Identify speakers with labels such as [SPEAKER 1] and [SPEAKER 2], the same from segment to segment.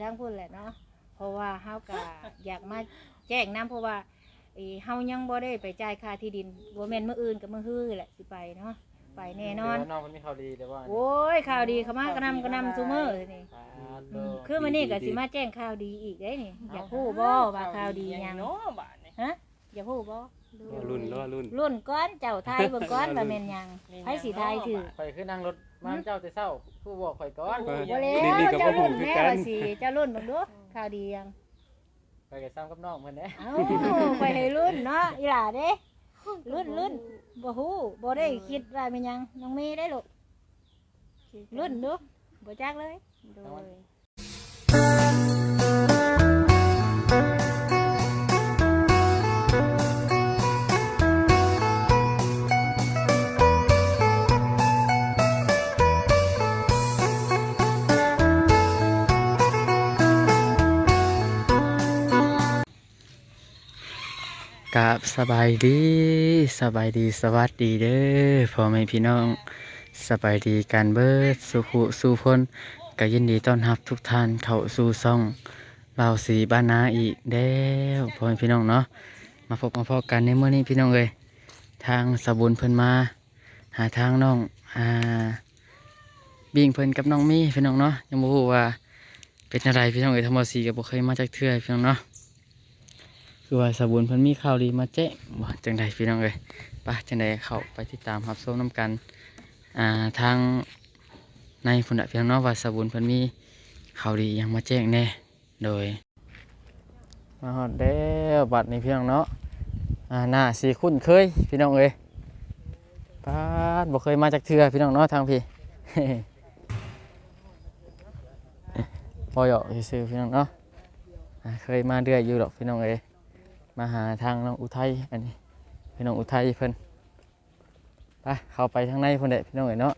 [SPEAKER 1] ทางพุ่นแหละเนาะเพราะว่าเฮาก็อยากมาแจ้งนำเพราะว่าเฮายังบ่ได้ไปจ่ายค่าที่ดินบ่แม่นมื้ออื่นก็มื้อฮื้อแหละสิไปเนาะไปแน่นอน
[SPEAKER 2] น้องมันมีข่าวดีแต่ว่า
[SPEAKER 1] โอ้ยข่าวดีเข้ามากระนำซุมื้อนี่คือมื้อนี้ก็สิมาแจ้งข่าวดีอีกเด้นี่อยากฮู้บ่ว่าข่าวดีหยังฮะอยากฮู้บ่รุ่นก้อนเจ้าทายเบิ่งก้อนว่าแม่นหยังไผสิทายถือ
[SPEAKER 2] ข่อยคือนั่งรถมาเจ้าแต่เช้าผู้บอกข่อยก่อน
[SPEAKER 1] บ่แล้วเจ้ารุ่นแม่ว่าสิเจ้ารุ่นเบิ่งดูข่าวดีหยัง
[SPEAKER 2] ข่อยก็ซ้ำกับน้องเพิ่นเด้
[SPEAKER 1] เอ้าข่อยให้รุ่นเนาะอีหล่าเด้รุ่นบ่ฮู้บ่ได้คิดว่าแม่นหยังน้องเมย์ได้ลูกรุ่นดูบ่จักเลยโดย
[SPEAKER 3] กับสบายดีสวัสดีเด้อพ่อแม่พี่น้องสบายดีกันเบิดสุขุสู่พ้นก็ยินดีต้อนรับทุกท่านเข้าสู่ช่องบ่าวสีบ้านนาอีกแล้วพ่อแม่พี่น้องเนาะมาพบมาพอกันในมื้อนี้พี่น้องเอ้ยทางสบุญเพิ่นมาหาทางน้องบิ่งเพิ่นกับน้องมีพี่น้องเนาะยังบ่ฮู้ว่าเป็นอะไรพี่น้องเอ้ยทั้งบ่าวสีก็บ่เคยมาจักเทื่อพี่น้องเนาะคือว่าสบุญเพิ่นมีข่าวดีมาแจ้งบ่จังใดพี่น้องเอ้ยไปจังใดเข้าไปติดตามรับชมนํกันทางในพุ่นน่ะพี่น้องเนาะว่าสบุญเพิ่นมีข่าวดีหยังมาแจ้งแน่โดยมาฮอดแล้วบัดนี้พี่น้องเนาะหน้าสิคุ้นเคยพี่น้องเอ้ยปาดบ่เคยมาจักเทื่อพี่น้องเนาะทางพี่ พอเหยาะซื่อๆพี่น้องเนาะเคยมาเรื่อยอยู่ดอกพี่น้องเอ้ยมาหาทางน้องอุทัยอันนี้พี่น้องอุทัยเพิ่นไปเข้าไปทางในเพิ่นเด้พี่น้องเอ้ยเนาะ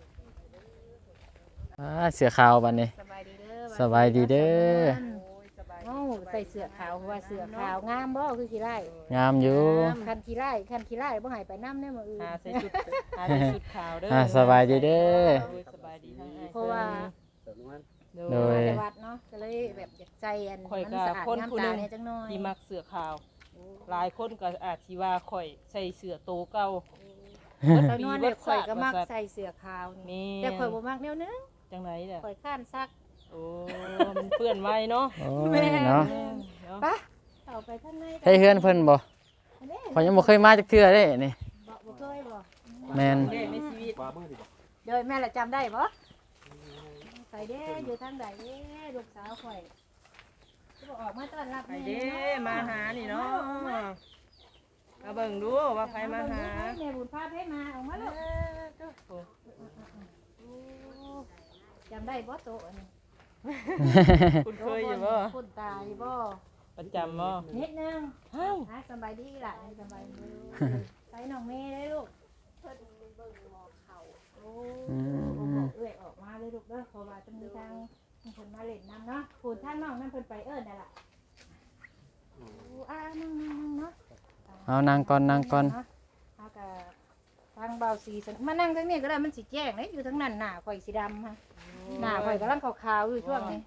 [SPEAKER 3] เสื้อขาวบัดนี้สบายดีเด้อ
[SPEAKER 1] เอ้าใส่เสื้อขาวเพราะว่าเสื้อขาวงามบ่คือขี้ไร่
[SPEAKER 3] งามอยู่
[SPEAKER 1] คันขี้ไร่บ่ให้ไปนำแน่มื้ออื่น
[SPEAKER 4] ใส่ชุดขาวเด้อ
[SPEAKER 3] สบายดีเด้อ
[SPEAKER 4] สบายดีทั้ง
[SPEAKER 1] เพราะว่า
[SPEAKER 3] โดย
[SPEAKER 1] วัดเนาะก็เลยแบบอยากใจอันมันสะอาดงามตาเนี่ยจังน้อย
[SPEAKER 4] ที่มักเสื้อขาวหลายคนก็อาจสิว่าข่อยใส่เสื้อโตเก่า
[SPEAKER 1] ตอนนั้นข่อยก็มักใส่เสื้อขาวนี่แต่ข่อยบ่มักแนวนึง
[SPEAKER 4] จังไหนเด้อ
[SPEAKER 1] ข่อยค้านซัก
[SPEAKER 4] โอ้มันเปื้อนไว้เนาะ
[SPEAKER 3] เนาะ
[SPEAKER 1] ไปเข้าไปข้างใน
[SPEAKER 3] ให้เฮือนเพิ่นบ่ข่อยยังบ่เคยมาจักเทื่อเด้นี่
[SPEAKER 1] บ่เคยบ่
[SPEAKER 3] แม่น
[SPEAKER 4] ในชีวิต
[SPEAKER 1] เดี๋ยวแม่ละจำได้บ่ใส่เด้อยู่ทางใดเด้ลูกสาวข่อยสิบ่ออกมาต้อนรับ
[SPEAKER 4] ไปเด้มาหานี่เนาะมาเบิ่งดูว่าใครมาหา
[SPEAKER 1] แม่บุญพาให้มาออกมาลูกจำได้บ่โตอันนี้
[SPEAKER 4] คุณเคยอยู่บ่
[SPEAKER 1] คุณตาอยู่บ่
[SPEAKER 4] ประจำบ่
[SPEAKER 1] นิดนึงสบายดีล่ะสบายดีใส่น้องเมย์ได้ลูกเพิ่นเบิ่งหมอเขาโอ้เอื้อยออกมาเลยลูกเด้อเพราะว่าจะมีทางเพิ่นมาเล่นน้ำเนาะพูดท่านน้องนั่นเพิ่นไปนั่นล่ะนั่งเนาะ
[SPEAKER 3] เอานั่งก่อน
[SPEAKER 1] เอากะทางเบาสีมานั่งทางนี้ก็ได้มันสิแจ้งเลยอยู่ทางนั้นหน้าข่อยสีดำฮะหน้าข่อยกำลังขาวๆอยู่ช่วงนี้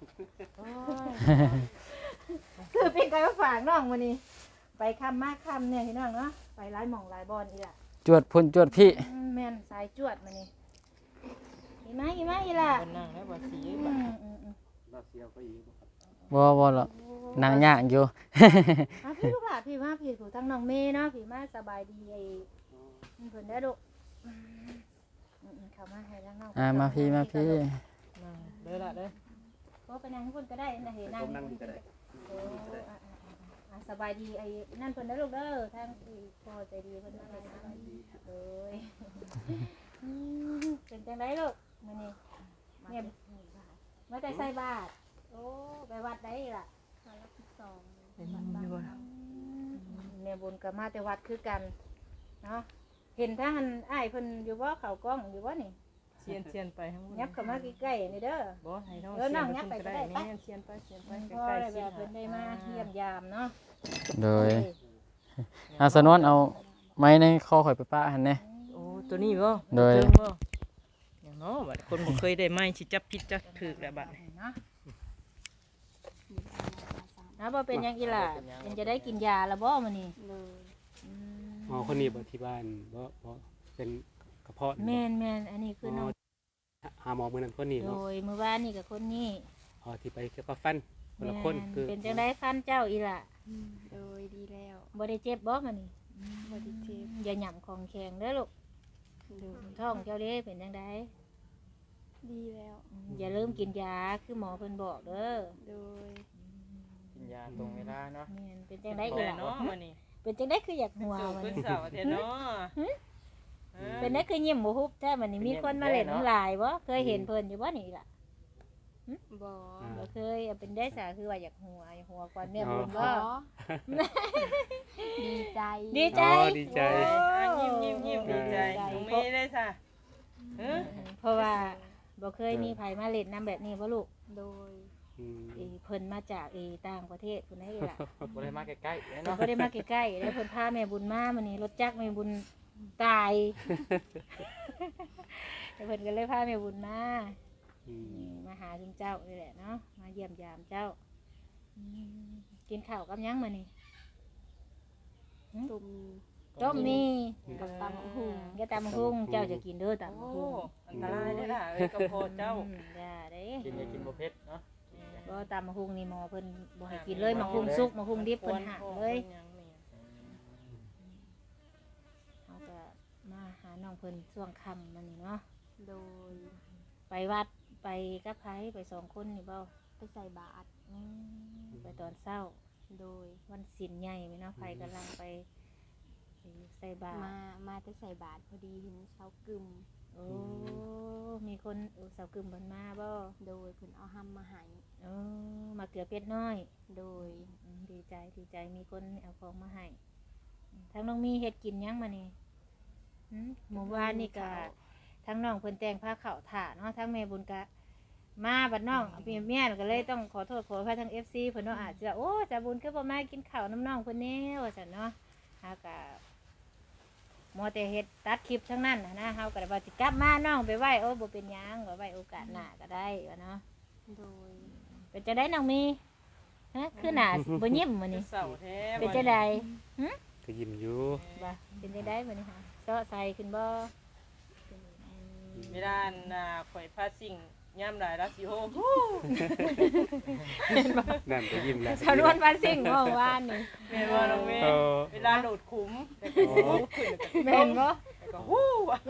[SPEAKER 1] คือเป็นการฝากน้องวันนี้ไปคำมากคำเนี่ยพี่น้องเนาะไปหลายหม่องหลายบอลอีล่ะ
[SPEAKER 3] จวดพุ่นจวดพี่
[SPEAKER 1] แม่นสายจวดมานี่อีไหมอีล่ะ
[SPEAKER 4] นั่งแล้วบ่สี
[SPEAKER 3] บ่หรอกนั่งยากอยู่
[SPEAKER 1] พี่ลูกหลานพี่มาพี่ถูกทั้งน้องเมย์เนาะพี่มาสบายดีไอ้เพิ่นได้ดุเข้ามาให้ทั้งน้อง
[SPEAKER 3] มาพี่
[SPEAKER 4] เด้อละเด้อ
[SPEAKER 1] ก็ไปนั่งคนก็ได้นะเห็นนั่งก็ได้สบายดีไอ้นั่นเพิ่นได้ลูกเด้อทางที่พอใจดีเพิ่นมาสบายดีเอ้ยเป็นจังไดลูกมื้อนี้เนี่ยมาแต่ใส่บาตรโอ้ไปวัดได้ล่ะ12
[SPEAKER 4] เป็นอยู่บ่
[SPEAKER 1] แม่บุญก็มาแต่วัดคือกันเนาะเห็นทางอ้ายเพิ่นอยู่บ่เข้ากล้องอยู่บ่นี่
[SPEAKER 4] เชียนไปทั้งหมด
[SPEAKER 1] ยับเข้ามาใกล้ๆนี่เด้อ
[SPEAKER 4] บ่ให้น้องยับไปก็ได้นี่เชียนไปใกล้ๆสิ
[SPEAKER 1] เพิ่นได้มาเยี่ยมยามเนาะ
[SPEAKER 3] โดยสนวนเอาไม้ในคอข่อยไปป้าหั่นแน่
[SPEAKER 4] โอ้ตัวนี้บ่
[SPEAKER 3] โดย
[SPEAKER 4] อย่างเนาะบัดคนบ่เคยได้ไม้สิจับผิดจับถูกแล้วบัดนี้
[SPEAKER 1] นะบ่เป็นหยังอีหล่ะยังจะได้กินยาละบ่มื้อนี้
[SPEAKER 5] เลย
[SPEAKER 1] อืม
[SPEAKER 6] อ๋อคนนี้บ่ที่บ้านบ่เป็นกระเพาะ
[SPEAKER 1] แม่นอันนี้คือน้อง
[SPEAKER 6] หาหมอมื้อนั้นคนนี้
[SPEAKER 1] โด
[SPEAKER 6] เนาะ
[SPEAKER 1] ยมื้อวานนี่กับคนนี้
[SPEAKER 6] อ๋อที่ไปเกี่ยวกับฟันคนละคนคือ
[SPEAKER 1] เป็นจังได๋ฟันเจ้าอีหล่ะ
[SPEAKER 5] โดยดีแล้ว
[SPEAKER 1] บ่ได้เจ็บบ่มื้อนี้
[SPEAKER 5] บ่ได้เจ็บ
[SPEAKER 1] อย่าหย่ํของแข็งเด้อลูก
[SPEAKER 5] โดย
[SPEAKER 1] ท้องเจ้าเด้เป็นจังได๋
[SPEAKER 5] ดีแล้ว
[SPEAKER 1] อย่าลืมกินยาคือหมอเพิ่นบอกเด้อ
[SPEAKER 5] โดย
[SPEAKER 2] กินยาตรงเวลาเนาะ
[SPEAKER 1] แม่นเป็นจังได๋
[SPEAKER 4] ได้
[SPEAKER 1] อี
[SPEAKER 4] กัน
[SPEAKER 1] หล่ะ
[SPEAKER 4] เนาะมื้อนี้
[SPEAKER 1] เป็นจังได๋คืออยากหัว
[SPEAKER 4] สู่
[SPEAKER 1] มัน
[SPEAKER 4] ขึ้นเสาร์อาทิตย์เนาะ
[SPEAKER 1] เป็นได้คือยิ้มบ่ฮุบแท้มันนี่มีคนมาเล่นน้ำลายบ่เคยเห็นเพิ่นอยู่บ่นี่ล่ะ
[SPEAKER 5] บ่
[SPEAKER 1] บ่เคยเป็นได้สาคือว่าอยากหัวก่อนเนี่ยบุญ
[SPEAKER 5] ข
[SPEAKER 1] บ่
[SPEAKER 5] อดีใจ
[SPEAKER 1] ดีใจ
[SPEAKER 6] อ๋อดีใจ
[SPEAKER 4] ยิ้มดีใจน้องเมย์ได้ซะเออ
[SPEAKER 1] เพราะว่าบ่เคยมีไผมาเล่นน้ำแบบนี้บ่ลูก
[SPEAKER 5] โดย
[SPEAKER 6] อืม
[SPEAKER 1] เพิ่นมาจากต่างประเทศพุ่นได้ล่ะ
[SPEAKER 2] บ่ได้มาใกล้ๆ
[SPEAKER 1] เพิ่น
[SPEAKER 2] เนาะ
[SPEAKER 1] บ่ได้มาใกล้ๆแล้วเพิ่นพาแม่บุญมามื้อนี้รถจักรแม่บุญตายแล้วเพิ่นก็เลยพาแม่บุญมา
[SPEAKER 6] อืม
[SPEAKER 1] มาหาถึงเจ้านี่แหละเนาะมาเยี่ยมยามเจ้ากินข้าวกับหยังมื้อนี้
[SPEAKER 5] ตุ่ม
[SPEAKER 1] ต้มมี
[SPEAKER 5] กับตำหุง
[SPEAKER 1] ก็ตำหุ่งเจ้าจะกินเด้อตำ
[SPEAKER 4] โอ้
[SPEAKER 1] หุ่ง
[SPEAKER 4] อันตรายได้ล่ะเอ้ยกระโพดเจ้า
[SPEAKER 1] อย่าเด้
[SPEAKER 2] กินอย่ากินบ่เผ็ดเนาะ
[SPEAKER 1] บ่ตำหุ่งนี่หมอเพิ่นบ่ให้กินเลยหมอหุ่งสุกหมอหุ่งดิบเพิ่นหักเลยเฮาก็มาหาน้องเพิ่นช่วงค่ำมื้อนี้เนาะ
[SPEAKER 5] โดย
[SPEAKER 1] ไปวัดไปกับไผไป2คนนี่บ่
[SPEAKER 5] ไปใส่บาตร
[SPEAKER 1] ไปตอนเช้า
[SPEAKER 5] โดย
[SPEAKER 1] วันศีลใหญ่เนาะไผกำลังไปใส่บาตร
[SPEAKER 5] มาแต่ใส่บาตรพอดีเห็นเสากึม
[SPEAKER 1] โอ้มีคนสาวกึ่มเพิ่นมาบ่
[SPEAKER 5] โดยเพิ่นเอาห้ำมาให้
[SPEAKER 1] มาเกลือเป็ดน้อย
[SPEAKER 5] โดย
[SPEAKER 1] ดีใจมีคนเอาของมาให้ทั้งน้องมีเฮ็ดกินหยังมานี่หมู่บ้านนี่ก็ทั้งน้องเพิ่นแต่งผ้าขาวถ่าเนาะทั้งแม่บุญกะมาบัดน้องเมียก็เลยต้องขอโทษขออภัยทั้ง FC เพิ่นเนาะอาจจะโอ้จ่าบุญคือบ่มากินข้าวน้ำน้องเพิ่นแน่ว่าซั่นเนาะเฮาก็มัวแต่เฮ็ดตัดคลิปทั้งนั้นนะเฮาก็ว่าสิกลับมาน้องไปไหว้โอ้บ่เป็นหยังว่าไว้โอกาสหน้าก็ได้ว่าเนาะ
[SPEAKER 5] โดย
[SPEAKER 1] เป็นจังได๋น้องมีฮะคือหน้าบ่ยิ้มมื้อนี้
[SPEAKER 4] เสาร์แท้
[SPEAKER 1] เป็นจังได๋
[SPEAKER 6] ก็ยิ้มอยู่
[SPEAKER 1] บ่เป็นจังได๋มื้อนี้ค่ะเซาะใส่ขึ้นบ่
[SPEAKER 4] เวลาข่อยพาสิ่งย่ำหลายราสิโฮ
[SPEAKER 6] นั่นก็ยิ้มแล้ว
[SPEAKER 1] ชาวนวลบ้านซิ่งเมื่อวานนี่
[SPEAKER 4] แม่นบ่น้องเมย์
[SPEAKER 6] เออ
[SPEAKER 4] เวลาโดดขุมแต่ก็ฮู้ขึ้น
[SPEAKER 1] แม่นบ่
[SPEAKER 4] แต่ก็ฮู้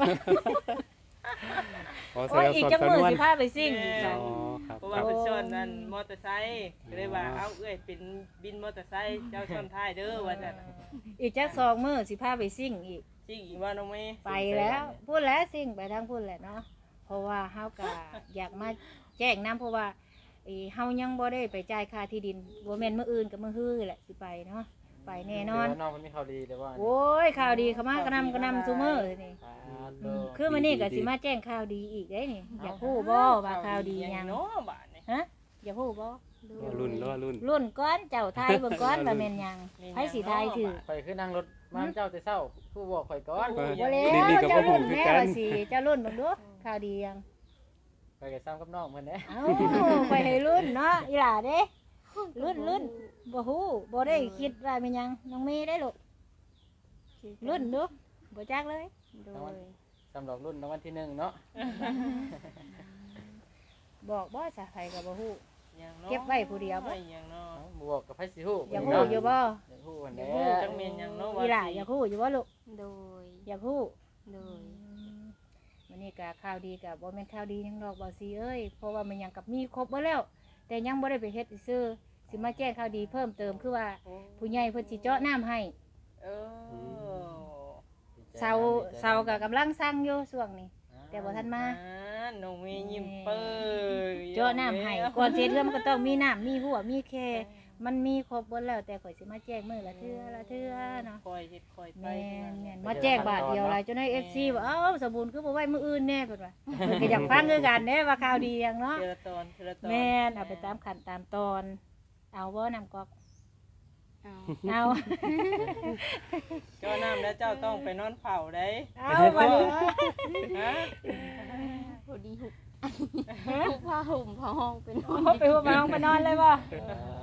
[SPEAKER 6] อ๋อแส
[SPEAKER 1] โอ้
[SPEAKER 6] ด
[SPEAKER 1] ย
[SPEAKER 6] ง
[SPEAKER 1] อีก
[SPEAKER 6] สอน
[SPEAKER 1] จัก
[SPEAKER 6] สำ
[SPEAKER 1] มื้
[SPEAKER 6] น
[SPEAKER 1] อ
[SPEAKER 6] วน
[SPEAKER 1] สิพาไปซิ่งอีก
[SPEAKER 6] อ๋
[SPEAKER 1] จ้ะ
[SPEAKER 6] อครับ
[SPEAKER 4] เพราะ
[SPEAKER 6] ค
[SPEAKER 4] ว่า
[SPEAKER 6] รับ
[SPEAKER 4] เพิ่นชวนนั่นมอเตอร์ไซค์ก็เลยว่าเอ้าเอ้ยเป็นบินมอเตอร์ไซค์เจ้าชนท้ายเด้อว่าจัง
[SPEAKER 1] อีกจัก2มื้อสิพาไปซิ่งอีก
[SPEAKER 4] จริงอีกว่าน้องเมย์
[SPEAKER 1] ไปแล้วพูดแล้วซิ่งไปทางพูดแหละเนาะเพราะว่าเฮาก็อยากมาแจ้งนํเพราะว่าเฮายังบ่ได้ไปจ่ายค่าที่ดินบ่แม่นมื้ออื่นกับมื้อฮื้อแหละสิไปเนาะไปแน่นอน
[SPEAKER 2] เดี๋ยวน้องเพิ่นมีข่าวดีเด้อว่า
[SPEAKER 1] โอ้ยข่าวดีเข้ามากระนำซุมื้อนี่ คือมื้อนี้ก็สิมาแจ้งข่าวดีอีกเด้นี่อยากฮู้บ่ว่าข่าวดีหยัง
[SPEAKER 4] เนาะบาดนี่
[SPEAKER 1] ฮะอยากฮู้บ่
[SPEAKER 5] โด
[SPEAKER 6] รอย รุ่นรอรุ่น
[SPEAKER 1] รุ่นก้อนเจ้าไทยเบิ่งก้อนว่าแม่นหยังไผสิทายถือ
[SPEAKER 2] ข่อยคือนั่งรถมาเจ้าแต่เช้าผู้บอกข่อยก่อน
[SPEAKER 6] เออ
[SPEAKER 1] บ่แล้ว
[SPEAKER 6] นี่ก็บ่
[SPEAKER 1] เจ้า
[SPEAKER 6] ฮู้
[SPEAKER 1] รุ่น
[SPEAKER 6] คือ
[SPEAKER 1] แม่
[SPEAKER 6] กัน
[SPEAKER 1] ว่าสิเจ้ารุ่นเบิ่งดูข่าวดีหยัง
[SPEAKER 2] ข่อยก็ซ้ำกับน้องเพิ่นเด้
[SPEAKER 1] เอ้าไปให้รุ่นเนาะอีหล่าเด้รุ่นบ่ฮู้บ่ได้คิดว่าแม่นหยังน้องเมย์ได้ลูกรุ่นดูบ่จักเลย
[SPEAKER 5] โดย
[SPEAKER 2] สำหรับรุ่นรางวัลที่1เนาะ
[SPEAKER 1] บอกบ่ซะไผก็บ่ฮู้
[SPEAKER 4] อย่างเนาะ
[SPEAKER 1] เก็บไว้ผู้เดียวบ่
[SPEAKER 4] อย่างเนาะ
[SPEAKER 2] บ่บอกกับไผสิฮู้
[SPEAKER 1] อยากฮู้อยู่บ่
[SPEAKER 2] อยากฮู้เพิ่น
[SPEAKER 1] อยา
[SPEAKER 2] แห
[SPEAKER 1] ก
[SPEAKER 2] ละ
[SPEAKER 1] ฮู้
[SPEAKER 4] จังแม่นหยังเนาะ
[SPEAKER 1] อีหล่าอยากฮู้อยู่บ่ลูก
[SPEAKER 5] โดย
[SPEAKER 1] อยากฮู้
[SPEAKER 5] โดย
[SPEAKER 1] วันนี้ก็ข่าวดีกับบ่แม่นข่าวดีหยังดอกบ่ซีเอ้ยเพราะว่ามันยังกับมีครบเบ่แล้ว แต่ยังบ่ได้ไปเฮ็ดซื่อสิมาแจ้งข่าวดีเพิ่มเติมคือว่าผู้ใหญ่เพิ่นสิเจาะน้ำให้
[SPEAKER 4] เออ
[SPEAKER 1] เสาก็กำลังสร้างอยู่ช่วงนี้ แต่บ่ทันมา
[SPEAKER 4] น้องเมย์ยิ้มเปิ้ล
[SPEAKER 1] เจาะน้ำให้ก่อนเสียเทื่อมันก็ต้องมีน้ำมีหัวมีแคมันมีครบเบ่แล้วแต่ข่อยสิมาแจ้งมื้อละเทื่อเนาะ
[SPEAKER 4] คอยเฮ็ดคอยไป
[SPEAKER 1] แม่นมาแจ้งบาทเดียวหลายจนให้ FC ว่าเอ้าสมบูรณ์คือบ่ไว้มื้ออื่นแน่เพิ่นว่าเพิ่นก็อยากฟังคือกันเด้ว่าข่าวดีหยังเนาะ
[SPEAKER 4] เทละตอนเทละตอน
[SPEAKER 1] แม่นเอาไปตามขั้นตามตอน เอาบ่น้ำก๊อก
[SPEAKER 5] เอา
[SPEAKER 1] เอา
[SPEAKER 4] เจ้าน้ำแล้วเจ้าต้องไปนอนเฝ้าได้
[SPEAKER 1] เอาบ่ดิ
[SPEAKER 4] ฮะ
[SPEAKER 5] พอดีหุบผ้าห่มผ้าห้องเป็น
[SPEAKER 1] เอาไปหัวมาห้องไปนอนเลยบ่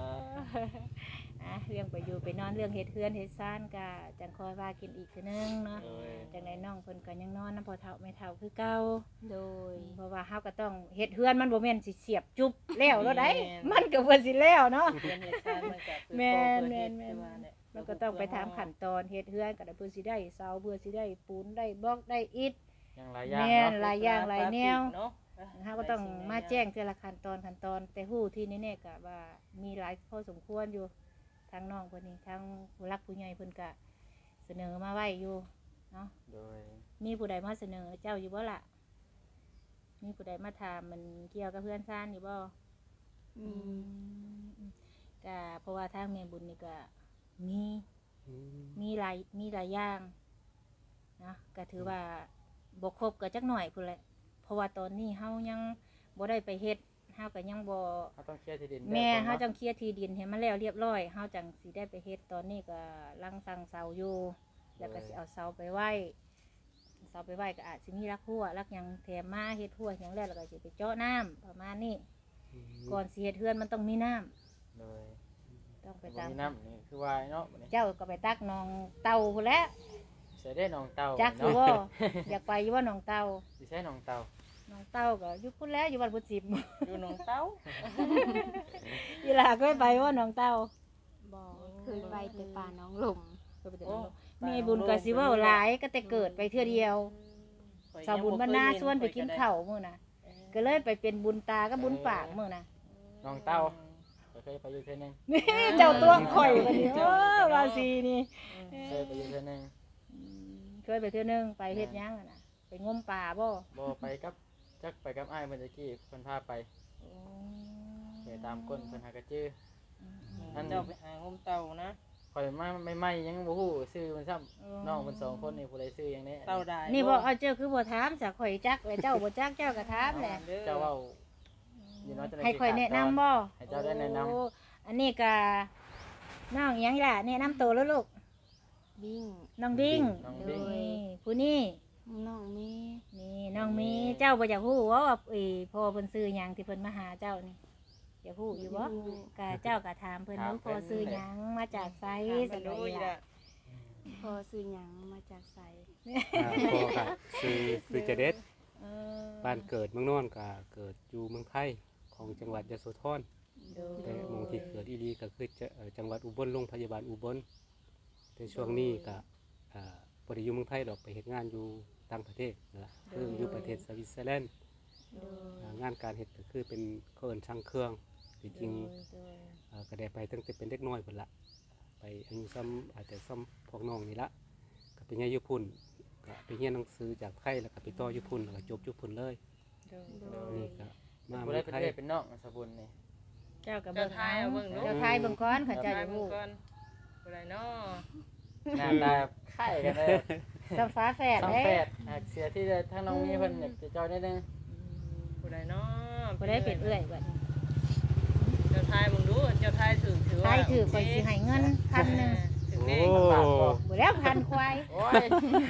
[SPEAKER 1] เรื่องไปอยู่ไปนอนเรื่องเฮ็ดเฮือนเฮ็ดซ่านก็จังคอยว่ากินอีกทีนึงเนาะจังไดน้องเพิ่นก็ยังนอนนำพ่อเฒ่าแม่เฒ่าคือเก่า
[SPEAKER 5] โดย
[SPEAKER 1] เพราะว่าเฮาก็ต้องเฮ็ดเฮือนมันบ่แม่นสิเสียบจุบแล้วเนาะได้มันก็เพิ่นสิแล้วเนาะ
[SPEAKER 4] เรียนเฮ็ดซ่านมันก็คือ
[SPEAKER 1] แม่น
[SPEAKER 4] โตเพิ่น
[SPEAKER 1] แม่
[SPEAKER 4] เฮ็ด
[SPEAKER 1] น
[SPEAKER 4] แต่ว่าเนี่ย
[SPEAKER 1] มันก็ต้องไปตามขั้นตอนเฮ็ดเฮือนก็ได้เพิ่นสิได้เสาเพื่อสิได้ปูนได้บล็อกได้อิฐ
[SPEAKER 2] ยังหลายอย่าง
[SPEAKER 1] แม่น
[SPEAKER 2] เนาะ
[SPEAKER 1] หลายอย่างหลายแนว
[SPEAKER 4] เนาะ
[SPEAKER 1] เฮาก็ต้องมาแจ้งแต่ละขั้นตอนแต่ฮู้ที่แน่ๆก็ว่ามีหลายพอสมควรอยู่ทางน้องเพิ่นนี่ทางผู้รักผู้ใหญ่เพิ่นก็เสนอมาไว้อยู่เนาะ
[SPEAKER 2] โดย
[SPEAKER 1] มีผู้ใดมาเสนอเจ้าอยู่บ่ล่ะมีผู้ใดมาถามมันเกี่ยวกับเพื่อนซ่านอยู่บ่
[SPEAKER 5] มี
[SPEAKER 1] ก็เพราะว่าทางแม่บุญนี่ก็มี
[SPEAKER 6] อืม
[SPEAKER 1] มีหลายอย่างนะก็ถือว่าบ่ครบก็จักหน่อยพุ่นแหละเพราะว่าตอนนี้เฮายังบ่ได้ไปเฮ็ดเฮาก็ยังบ่
[SPEAKER 2] เขาต้องเคลียร์ที่ดิน
[SPEAKER 1] แม่
[SPEAKER 2] ก่อน
[SPEAKER 1] เฮา
[SPEAKER 2] เนาะ
[SPEAKER 1] จังเคลียร์ที่ดินให้มันแล้วเรียบร้อยเฮาจังสิได้ไปเฮ็ดตอนนี้ก็ลังสั่งเสาอยู่ แล้วก็สิเอาเสาไปไว้ก็อาจสิมีรักหัวรักหยังแถมมาเฮ็ดหัวหยังแล้วก็สิไปเจาะน้ำประมาณนี้ก่อนสิเฮ็ดเฮือนมันต้องมีน้ำ
[SPEAKER 2] โดย
[SPEAKER 1] ต้องไป
[SPEAKER 2] บ่
[SPEAKER 1] ตาม
[SPEAKER 2] มีน้ำนี่คือว่าเนาะบัดนี้
[SPEAKER 1] เจ้าก็ไปตักหนองเต่าพุ่นแหล้ว
[SPEAKER 2] ใส่ได้หนองเต่า
[SPEAKER 1] จักอยู่
[SPEAKER 2] เนาะ
[SPEAKER 1] บ่ อยากไปอยู่ว่าหนองเต่า
[SPEAKER 2] สิใช้หนองเต่า
[SPEAKER 1] หนองเต่าก็อยู่พุ่นแหล้วอยู่บ้านพุทธสิบ
[SPEAKER 4] อยู่หนองเต้า
[SPEAKER 1] อีหลาเคยไปว่าหนองเต่า
[SPEAKER 5] บอกเคยไปแต่ป่าน้องหลม
[SPEAKER 1] เคยไปแต่หนองเต่าแม่บุญก็สิเว้าหลายก็แต่เกิดไปเทื่อเดียวสาวบุญบรรณาชวนไปกินข้าวมื้อน่ะก็เลยไปเป็นบุญตากับบุญปากมื้อน่ะ
[SPEAKER 2] หนองเต่าก็เคยไปอยู่เทื่อนึง
[SPEAKER 1] นี่เจ้าตัวข่อยบัดนี้ว่าสินี่
[SPEAKER 2] เคยไปอยู่เทื่อนึง
[SPEAKER 1] เคยไปเทื่อนึงไปเฮ็ดหยังอะน่ะไปงมป่าบ่
[SPEAKER 2] บ่ไปกับจักไปกับอ้ายเมื่อกี้เพิ่นพาไปไปตามก้นเพิ่นหากระจื้อ
[SPEAKER 4] นั่นเจ้าไปหางมเต่านะ
[SPEAKER 2] ข่อยมาใหม่ๆยังบ่ฮู้ชื่อมันซ้ำน้องเพิ่นสองคนนี่ผู้ใดชื่อหยังแน่
[SPEAKER 4] เต่าได้
[SPEAKER 1] นี่บ่เอาเจ้าคือบ่ถามซะข่อยจักแล้วเจ้าบ่จักเจ้าก็ถามแหละ
[SPEAKER 2] เจ้าเว้าอยู่เนาะจะได้
[SPEAKER 1] ให้ข่อยแนะนำบ่
[SPEAKER 2] ให้เจ้าได้แนะนำ
[SPEAKER 1] โอ้อันนี้ก็น้องหยังล่ะแนะนำตัวแล้วลูก
[SPEAKER 5] บิ้ง
[SPEAKER 1] น้องดิ้ง
[SPEAKER 2] น้อง
[SPEAKER 1] โด
[SPEAKER 2] ดิ้ง
[SPEAKER 1] ยผู้นี้
[SPEAKER 5] น้องเมย์
[SPEAKER 1] นี่น้องมีเจ้าบ่อยากฮู้ว่าพ่อเพิ่นซื้อหยังที่เพิ่นมาหาเจ้านี่อยากฮู้อยู่บ่ก็เจ้าก็ถามเพิ่นว่าพ่อซื้อหยังมาจากไส
[SPEAKER 4] ส
[SPEAKER 1] ส
[SPEAKER 4] นุ
[SPEAKER 1] นุ
[SPEAKER 4] ก
[SPEAKER 1] ก
[SPEAKER 4] อี
[SPEAKER 1] ล่ะ
[SPEAKER 4] ละ
[SPEAKER 5] พอซื้อหยังมาจากไส
[SPEAKER 6] พ่อก็คือเจเด็ด
[SPEAKER 1] เออ
[SPEAKER 6] บ้านเกิดเมืองนอนก็เกิดอยู่เมืองไทยของจังหวัดยโสธร
[SPEAKER 1] โดย
[SPEAKER 6] แต่หมองที่เกิดอีหลีก็คือจังหวัดอุบลโรงพยาบาลอุบลแต่ช่วงนี้ก็บ่ได้อยู่เมืองไทยดอกไปเฮ็ดงานอยู่ต่างประเทศนั่นล่ะคืออยู่ประเทศสวิตเซอร์แลนด์
[SPEAKER 1] โดย
[SPEAKER 6] งานการเฮ็ดก็คือเป็นเขาเอิ้นช่างเครื่องที่จริง
[SPEAKER 1] โดย
[SPEAKER 6] ก็ได้ไปตั้งแต่เป็นเด็กน้อยพุ่นละไปอายุซ้ำอาจจะซ้ำพวกน้องนี่ละก็ไปเรียนอยู่พุ่นก็ไปเรียนหนังสือจากไทยแล้วก็ไปต่ออยู่พุ่นแล้วก็จบอยู่พุ่นเลย
[SPEAKER 1] โดย
[SPEAKER 6] นี่ก็มา
[SPEAKER 2] ผู้
[SPEAKER 6] เมื
[SPEAKER 2] ใด
[SPEAKER 6] อง
[SPEAKER 2] เป็น
[SPEAKER 6] ไทย
[SPEAKER 2] เอ้ยเป็นน้องสบุญนี่
[SPEAKER 1] เจ้าก็
[SPEAKER 4] เจ้า
[SPEAKER 1] เบิ่ง
[SPEAKER 4] ทายเอาเบิ่งลูก
[SPEAKER 1] เจ้าทายเบิ่งก่อนเขา
[SPEAKER 4] เจ้า
[SPEAKER 1] เจ้า
[SPEAKER 4] ทา
[SPEAKER 1] อย ยาก
[SPEAKER 4] เบิ่ง
[SPEAKER 1] ฮู้
[SPEAKER 4] ก่อนผู้ใดเนาะ
[SPEAKER 2] หน้าตาคล้ายกันเลย
[SPEAKER 1] สัมฟ้าแฝด
[SPEAKER 2] สอง
[SPEAKER 1] เด้
[SPEAKER 2] แฝดเสียที่ทั้งน้องมีเพิ่นอยากจะจอยนิดนึง
[SPEAKER 4] ผู้ใดเนาะ
[SPEAKER 1] บ่ได้เป็นเอื้อยบัดนี้
[SPEAKER 4] เจ้าทายมึงดูเจ้าทายถือว่า
[SPEAKER 1] ทายถือข่อยสิให้เงิน1,000
[SPEAKER 4] ถึง
[SPEAKER 6] โอ้
[SPEAKER 4] เลข
[SPEAKER 2] บาทบ่
[SPEAKER 1] บ่แล้วพันควาย
[SPEAKER 2] โอ้ย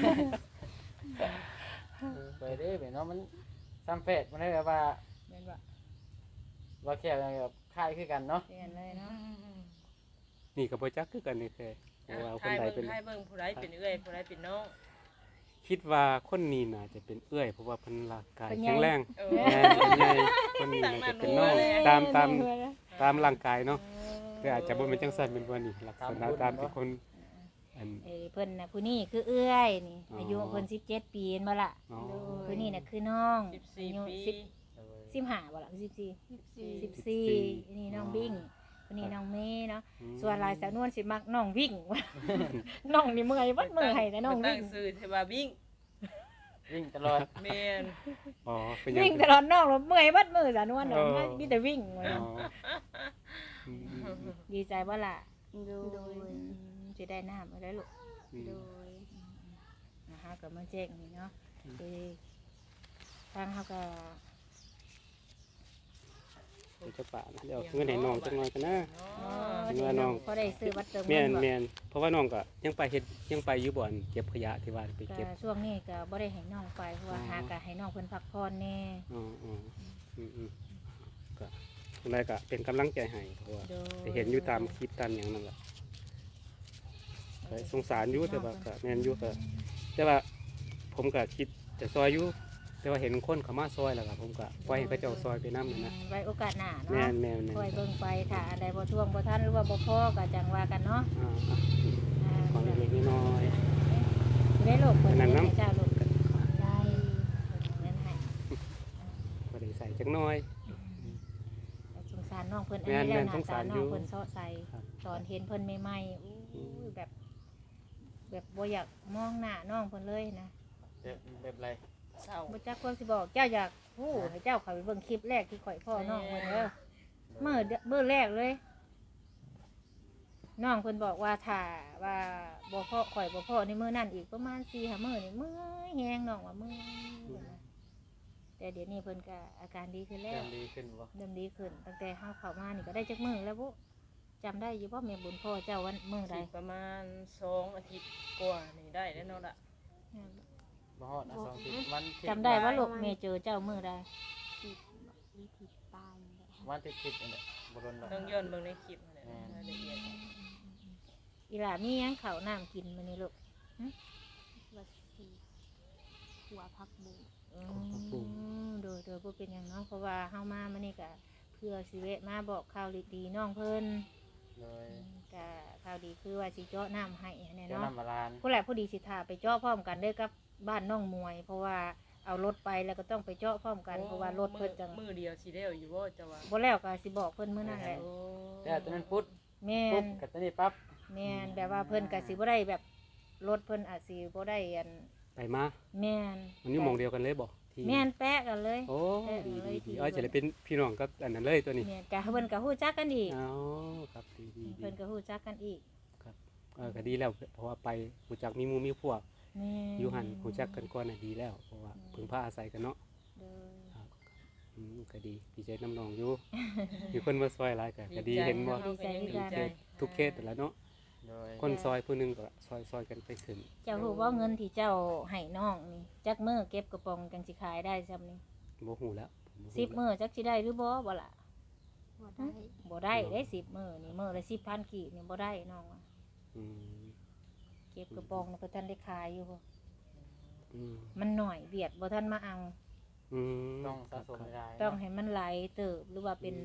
[SPEAKER 2] ไปเด้เนาะมันซ้ำแฝดมันได้แบบว่า
[SPEAKER 1] แม่นบ่
[SPEAKER 2] ว่าแค่แบบคล้ายคือกันเนาะ
[SPEAKER 1] เปลี่ยนเลยเนาะ
[SPEAKER 6] นี่ก็บ่จักคือกันนี่แค่ว่าคน
[SPEAKER 4] ทาย
[SPEAKER 6] ใด
[SPEAKER 4] เบิ่
[SPEAKER 6] เป็น
[SPEAKER 4] งทายเบิ่งผู้ใดเป็นเอื้อยผู้ใดเป็นน้อง
[SPEAKER 6] คิดว่าคนนี้น่าจะเป็นเอื้อยเพราะว่าเพิ่นร่างกายแข็งแรง
[SPEAKER 4] เออ
[SPEAKER 6] แม่นเป็นใหญ่คนนี้น่าจะเป็นน้องตามร่างกายเนาะแต่อาจจะบ่เป็นจังซั่นเป็นบ่นี่ลักษณะตามที่คนอัน
[SPEAKER 1] เพิ่นน่ะผู้นี้คือเอื้อยนี่
[SPEAKER 6] อ๋ออ
[SPEAKER 1] อายุเพิ่น17 ปีเห็นบ่ล่ะ
[SPEAKER 6] อ๋อ
[SPEAKER 1] ผู้นี้น่ะคือน้อง
[SPEAKER 4] 14
[SPEAKER 1] อายุ
[SPEAKER 4] ปี
[SPEAKER 1] 15บ่ล่ะ14นี่น้องบิ่งผู้นี้น้องเมย์เนาะส่วนหลายสาวนวลสิมักน้องวิ่ง น้องนี่เมื่อยเบิดมือให้แต่น้อง
[SPEAKER 4] ตั้
[SPEAKER 1] วิ่
[SPEAKER 4] ง
[SPEAKER 1] ง
[SPEAKER 4] ชื่อเทว่าวิ่ง
[SPEAKER 2] วิ่งตลอด
[SPEAKER 4] แม่น
[SPEAKER 6] อ๋อเป็นหยัง
[SPEAKER 1] วิ่งตลอดน้องแล้วเมื่อยเบิดมือสาวนวลเนาะมีแต่วิ่ง
[SPEAKER 6] อ๋ออืม
[SPEAKER 1] ดีใจบ่ล่ะ
[SPEAKER 5] โดย
[SPEAKER 1] สิได้น้ำได้ลูก
[SPEAKER 6] อืม
[SPEAKER 5] โดย
[SPEAKER 1] นะคะก็มาแจ้งนี่เนาะคือทางเขาก็
[SPEAKER 6] เดี๋ยวจะปะนะเดี๋ยวเอาเงินให้น้องจักหน่อยกันนะ
[SPEAKER 1] เดี๋ยวน้องเขาได้ซื้อวัตถุม
[SPEAKER 6] แม่
[SPEAKER 1] ง
[SPEAKER 6] น
[SPEAKER 1] คล
[SPEAKER 6] แม่นเพราะว่าน้องก็ยังไปเฮ็ดยังไปอยู่บ่อนเก็บขยะที่ว่าไป
[SPEAKER 1] ก็
[SPEAKER 6] เก็บ
[SPEAKER 1] ช่วงนี้ก็บ่ได้ให้น้องไปเพราะว่าหาก็ให้น้องเพิ่นพักผ่อนแน่
[SPEAKER 6] อ๋ออ๋ออืมก็โอเคจังไดก็เป็นกำลังใจให้เพราะว่า
[SPEAKER 1] โดย
[SPEAKER 6] ไปเห็นอยู่ตามคลิปตามหยังนั่นแหละก็สงสารอยู่แต่ว่าก็แม่นอยู่ก็แต่ว่าผมก็คิดจะซอยอยู่แต่ว่าเห็นคนเขามาซอยแล้วก็ผมก็ปล่อยให้เขาเจ้าซอยไปนำนะ
[SPEAKER 1] ไว้โอกาสหน้า
[SPEAKER 6] แม่
[SPEAKER 1] เนาะ
[SPEAKER 6] นแม่นแม่น
[SPEAKER 1] คอยเบิ่งไปถ้าอันใดบ่ท่วงบ่ทันหรือว่าบ่พอก็จังว่ากันเนาะ
[SPEAKER 6] ของเล็กๆน้อย
[SPEAKER 1] ได้โลกเพิ่น
[SPEAKER 6] อันนั้น
[SPEAKER 1] ให้
[SPEAKER 6] น้ำ
[SPEAKER 1] เจ้าโลกได้เงินให้
[SPEAKER 6] ๆก็ได้ใส่จักหน้อย
[SPEAKER 1] สงสารน้องเพิ่นอัน
[SPEAKER 6] แม่น
[SPEAKER 1] นี้แล้ว
[SPEAKER 6] แม่นสง
[SPEAKER 1] น้ำ
[SPEAKER 6] สา
[SPEAKER 1] ตาร น้
[SPEAKER 6] อยู่
[SPEAKER 1] องเพิ่นเซาะใส่
[SPEAKER 6] ครับ
[SPEAKER 1] ตอนเห็นเพิ่นใหม่ๆอู้ยแบบบ่อยากมองหน้าน้องเพิ่นเลยนะ
[SPEAKER 2] แบบไรเศร้า
[SPEAKER 1] บ่จักความสิบอกเจ้าอยากฮู้ให้เจ้าเข้าไปเบิ่งคลิปแรกที่ข่อยพ่อน้องเพิ่นเด้อมื้อแรกเลยน้องเพิ่นบอกว่าถ้าว่าบ่พอข่อยบ่พอในมื้อนั้นอีกประมาณ4-5มื้อนี่เมื่อยแฮงน้องว่าเมื่อยนะแต่เดี๋ยวนี้เพิ่นก็อาการดีขึ้นแล้
[SPEAKER 2] เริ่
[SPEAKER 1] ว
[SPEAKER 2] มดีขึ้นบ่
[SPEAKER 1] เริ่มดีขึ้นตั้งแต่เฮาเข้ามานี่ก็ได้จักมื้อแล้วบ่จำได้อยู่บ่แม่บุญพ่อเจ้าวันมื้อใด
[SPEAKER 4] สิประมาณ2 อาทิตย์กว่านี่ได้แล้วเนาะล่ะ
[SPEAKER 2] บ่ฮอดนะ2 อาทิตย์วันที่
[SPEAKER 1] จำได้ว่าลูกแม่เจอเจ้ามื้อใด
[SPEAKER 5] ผิดวิธีป้ายนี่แหละ
[SPEAKER 2] วันที่คิดนี่แหละบ่รนดอก
[SPEAKER 4] ต้องย้อนเบิ่งในคลิปนั่นแหละรายละเอียด
[SPEAKER 1] อีหล่ามีหยังข้าวน้ำกินมื้อนี้ลูก
[SPEAKER 5] วัดสีหัวพักบุง
[SPEAKER 1] โดยบ่เป็นหยังเนาะเพราะว่าเฮามามื้อนี้ก็เพื่อสิแวะมาบอกข่าวดีๆน้องเพิ่น
[SPEAKER 2] เลย
[SPEAKER 1] ก็ข่าวดีคือว่าสิเจาะน้ำให้แน่
[SPEAKER 2] เจ้า
[SPEAKER 1] เนาะ
[SPEAKER 2] น้ำมาลาน
[SPEAKER 1] ผู้แหละผู้ดีสิทาไปเจาะพร้อมกันเด้อกับบ้านน้องมวย เพราะว่าเอารถไปแล้วก็ต้องไปเจาะพร้อมกันเพราะว่ารถเพิ่นจัง
[SPEAKER 4] มื้อเดียวสิแล้วอยู่บ่เจ้าว่า
[SPEAKER 1] บ่แล้วก็สิบอกเพิ่นมื้อนั้นแหละ
[SPEAKER 4] โอ้
[SPEAKER 2] แต่ตอนนั้นปุ๊บ
[SPEAKER 1] แม่
[SPEAKER 2] ปุ๊บ
[SPEAKER 1] น
[SPEAKER 2] กับตอนนี้ปั๊บ
[SPEAKER 1] แม่นแบบว่าเพิ่นก็สิบ่ได้แบบรถเพิ่นอาจสิบ่ได้อัน
[SPEAKER 6] ไปมา
[SPEAKER 1] แม่น
[SPEAKER 6] มันอยู่หมองเดียวกันเลยบ่ที่
[SPEAKER 1] แม่นแปะกันเลย
[SPEAKER 6] โอ้
[SPEAKER 1] แปะ
[SPEAKER 6] ดี
[SPEAKER 1] กันเลย
[SPEAKER 6] ดี
[SPEAKER 1] ที่
[SPEAKER 6] จะได้เป็นพี่น้องกับอันนั้นเลยตัวนี้
[SPEAKER 1] แม่นก็เพิ่นก็ฮู้จักกันอีก
[SPEAKER 6] อ๋อครับดีดีดี
[SPEAKER 1] เพิ่นก็ฮู้จักกันอีก
[SPEAKER 6] ก็ดีแล้วเพราะว่าไปหูจักมีหมู่มีพวก
[SPEAKER 1] แม่น
[SPEAKER 6] อยู่หันหูจักกันก่อนน่ะดีแล้วเพราะว่าพึ่งพาอาศัยกันเนาะ
[SPEAKER 1] เด้อ
[SPEAKER 6] ก็ดีใจน้ำนองอยู่ มีคนมาซอยหลายก็ดีเห็นว่า
[SPEAKER 1] ดีใจคือกัน
[SPEAKER 6] ทุกเคสแต่ละเนาะ
[SPEAKER 2] โดย
[SPEAKER 6] คนซอยผู้หนึงก็ซอยกันไปถึง
[SPEAKER 1] เจ้ารู้ว่าเงินที่เจ้าให้น้องนี่จักมื้อเก็บกระป๋องจังสิขายได้ซำนี่
[SPEAKER 6] บ่ฮู้แล้ว
[SPEAKER 1] 10มื้อจักสิได้หรือบ่ล่ะ
[SPEAKER 5] บ่ได้
[SPEAKER 1] บ่ได้ได้10มื้อนี่มื้อละ10,000กีบนี่บ่ได้น้องว่า
[SPEAKER 6] อืม
[SPEAKER 1] เก็บกระป๋องแล้วก็ทันได้ขายอยู่บ่
[SPEAKER 6] อืม
[SPEAKER 1] มันหน่อยเบียดบ่ทันมาเอา
[SPEAKER 6] อืม
[SPEAKER 2] ต้องสะสมราย
[SPEAKER 1] ต้องให้มันไหลเติบหรือว่าเป็น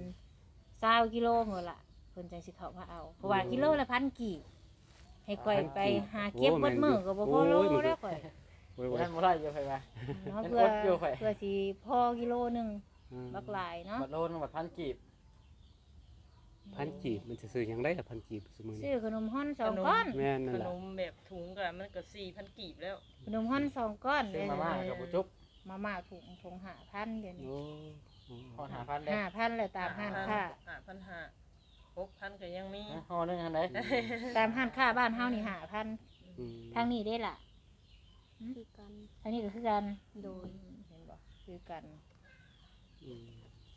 [SPEAKER 1] 20กิโลเหรอล่ะเพิ่นจังสิเข้ามาเอาเพราะว่ากิโลละ1,000กีบให้ก่อยไปหาเก็บเบิดมื้อก็บ่พอโลแล้วก่อย
[SPEAKER 6] โอ้ย
[SPEAKER 2] นั่นบ่ได้อยู่ไผว่า
[SPEAKER 1] เนาะ
[SPEAKER 2] มัน
[SPEAKER 1] เพื่อ
[SPEAKER 2] อดอยู่ข่อย
[SPEAKER 1] เพื่อสิพอกิโลหนึง
[SPEAKER 6] ๆ
[SPEAKER 1] บักหลายเนาะ
[SPEAKER 2] บัดโลนึงบัดพันกีบ
[SPEAKER 6] พันกีบมันจะซื้อหยังได้ล่ะพันกีบสมือ
[SPEAKER 1] ซื้
[SPEAKER 6] นี้
[SPEAKER 1] อขนมฮ้อน2ก้อน
[SPEAKER 6] แม่นนั่
[SPEAKER 4] ข
[SPEAKER 6] น
[SPEAKER 4] น
[SPEAKER 6] ล่ะ
[SPEAKER 4] มแบบถุงก็มันก็ 4,000 กีบแล้ว
[SPEAKER 1] ขนมฮ้อน2ก้อน
[SPEAKER 2] ซื้อมาม่ากับบ่จุ๊บ
[SPEAKER 1] มาม่าถุง5,000เดี๋ยวนี้
[SPEAKER 6] โอ้
[SPEAKER 2] ฮอด5,000ได้
[SPEAKER 1] 5,000เลยตามห้างค้า
[SPEAKER 4] 5,500 6,000ก็ยังมี
[SPEAKER 2] ฮอดนึงอันใด
[SPEAKER 1] ตามห้างค้าบ้านเฮานี่5,000
[SPEAKER 6] อืม
[SPEAKER 1] ทางนี้ได้ล่ะ
[SPEAKER 5] คือกัน
[SPEAKER 1] ทางนี้ก็คือกัน
[SPEAKER 5] โดย
[SPEAKER 1] เห็นบ่คือกัน
[SPEAKER 6] อืม